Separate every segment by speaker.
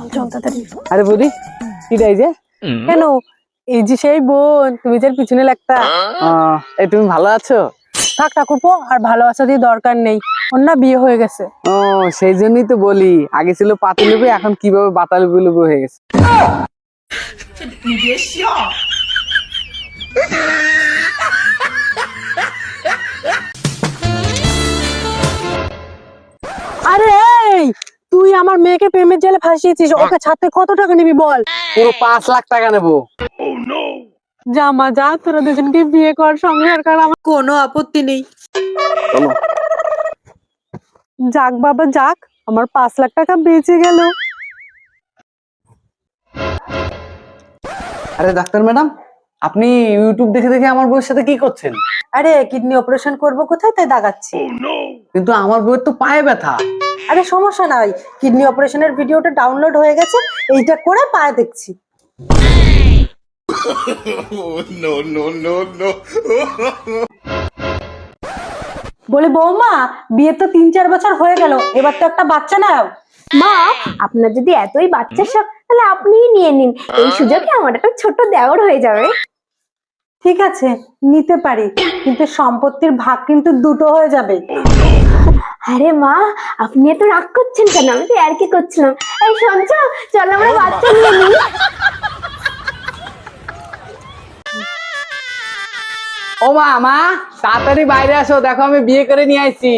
Speaker 1: চল চল তাড়াতাড়ি।
Speaker 2: আরে বৌদি কিটাই যে
Speaker 1: কেন? এই যে সেই বোন, তুমি যে পিছনে লাগতা।
Speaker 2: এই তুমি ভালো আছো?
Speaker 1: থাক ঠাকুরপো, আর ভালোবাসা দিয়ে দরকার নেই, ওর না বিয়ে হয়ে গেছে।
Speaker 2: ও সেই জন্যই তো বলি, আগে ছিল পাতিলেবু, এখন কিভাবে বাতালেবু লেবু হয়ে গেছে।
Speaker 1: আরে এই, তুই আমার মেয়েকে প্রেমের জালে ফাঁসিয়েছিস, ওকে ছাড়তে কত টাকা নিবি বল?
Speaker 2: পুরো 5 লাখ টাকা নেবো।
Speaker 1: যা মা যা, তোরা দুজনকে বিয়ে কর, সংসার কর, আমার কোনো আপত্তি নেই। যাক বাবা যাক, আমার 5 লাখ টাকা বেঁচে গেল।
Speaker 2: আরে ডাক্তার ম্যাডাম, আপনি ইউটিউব দেখে দেখে আমার বউয়ের সাথে কি করছেন?
Speaker 1: আরে কিডনি অপারেশন করব কোথায়, তাই দাগাচ্ছি।
Speaker 2: কিন্তু আমার বউয়ের তো পায়ে ব্যথা।
Speaker 1: আরে সমস্যা নাই, কিডনি অপারেশনের ভিডিওটা ডাউনলোড হয়ে গেছে, এইটা করে পায়ে দেখছি। বলে বৌমা, বিয়ে তো 3-4 বছর হয়ে গেল, এবার তো একটা বাচ্চা নাও।
Speaker 3: মা, আপনার যদি এতই বাচ্চার শখ, তাহলে আপনিই নিয়ে নিন। এই সুযোগে আমার একটা ছোট দেওর হয়ে যাবে।
Speaker 1: ঠিক আছে, নিতে পারি, কিন্তু সম্পত্তির ভাগ কিন্তু দুটো হয়ে যাবে।
Speaker 3: আরে মা, আপনি এত রাগ করছেন কেন? আমি তো আর কি করছিলাম। এই শুনছো, চল আমরা বাচ্চা নিয়ে নিই।
Speaker 2: ও মা, মা তাড়াতাড়ি বাইরে আসো, দেখো আমি বিয়ে করে নিয়ে আইছি।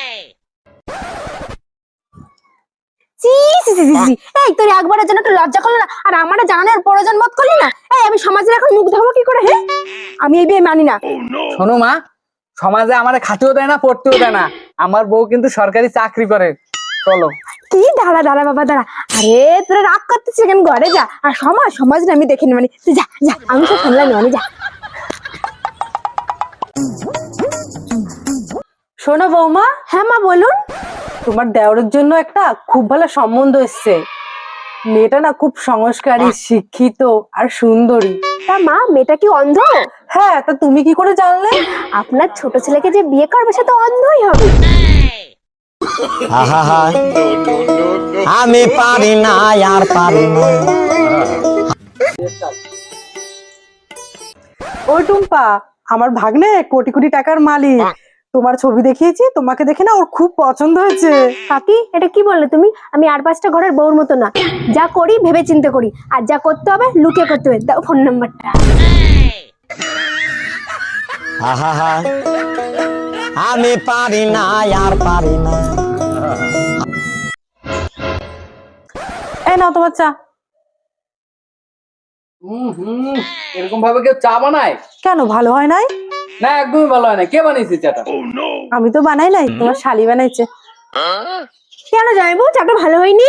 Speaker 3: ছি ছি ছি ছি ছি। এই তোর একবারের জন্য একটু লজ্জা করলো না? আর আমারে জানানোর প্রয়োজন বোধ করলি না? এই আমি সমাজের এখন মুখ দেখাবো কি করে? হ্যাঁ, আমি এই বিয়ে মানি না।
Speaker 2: শোনো মা, সমাজে আমার খাতেও দেয় না, পড়তেও দেয় না, আমার বউ কিন্তু সরকারি চাকরি করে। চলো।
Speaker 3: কি দাঁড়া দাঁড়া বাবা দাঁড়া। আরে তোরা রাগ করতেছিস কেন? ঘরে যা, আর সমাজ না আমি দেখে নি, মানে তুই যা যা, আমি সব সামলাই নেওয়ানি, যা।
Speaker 1: শোনো বৌমা।
Speaker 3: হ্যাঁ মা বলুন।
Speaker 1: তোমার দেওরের জন্য একটা খুব ভালো সম্বন্ধ এসছে। মেয়েটা না খুব সংস্কারী, শিক্ষিত আর সুন্দরী।
Speaker 3: তা মা, মেয়েটা কি অন্ধ?
Speaker 1: হ্যাঁ, তা তুমি কি করে জানলে?
Speaker 3: আপনার ছোট ছেলেকে যে বিয়ে করবে সে তো অন্ধই হবে।
Speaker 4: আমি পারি না, আর পারি না।
Speaker 1: ওই টুম্পা, আমার ভাগ্নে কোটি কোটি টাকার মালিক, তোমার ছবি দেখিয়েছি, তোমাকে দেখে না ওর খুব পছন্দ হয়েছে।
Speaker 3: কাকি, এটা কি বললে তুমি? আমি আর 5টা ঘরের বউর মতো না, যা করি ভেবে চিন্তে করি, আর যা করতে হবে লুকিয়ে করতে হবে। দাও ফোন নাম্বারটা।
Speaker 4: আমি পারি না, আর পারি না।
Speaker 1: এই নাও তোমার চা।
Speaker 2: এরকম ভাবে কেউ চা বানায়?
Speaker 1: কেন, ভালো হয় নাই?
Speaker 2: না, একদমই ভালো হয় না। কে বানিয়েছে চাটা?
Speaker 1: আমি তো বানাই নাই, তোমার শালি বানাইছে।
Speaker 3: কেন জানাবো চাটা ভালো হয়নি?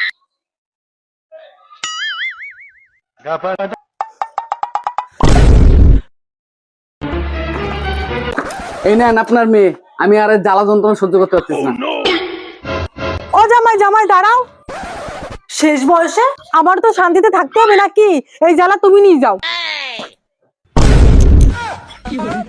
Speaker 2: এই নেন আপনার মেয়ে। আমি আর এর জ্বালা যন্ত্রণা সহ্য করতে পারতেছি না।
Speaker 1: ও জামাই, জামাই দাঁড়াও। শেষ বয়সে আমার তো শান্তিতে থাকতে হবে নাকি? এই জ্বালা তুমি নিয়ে যাও।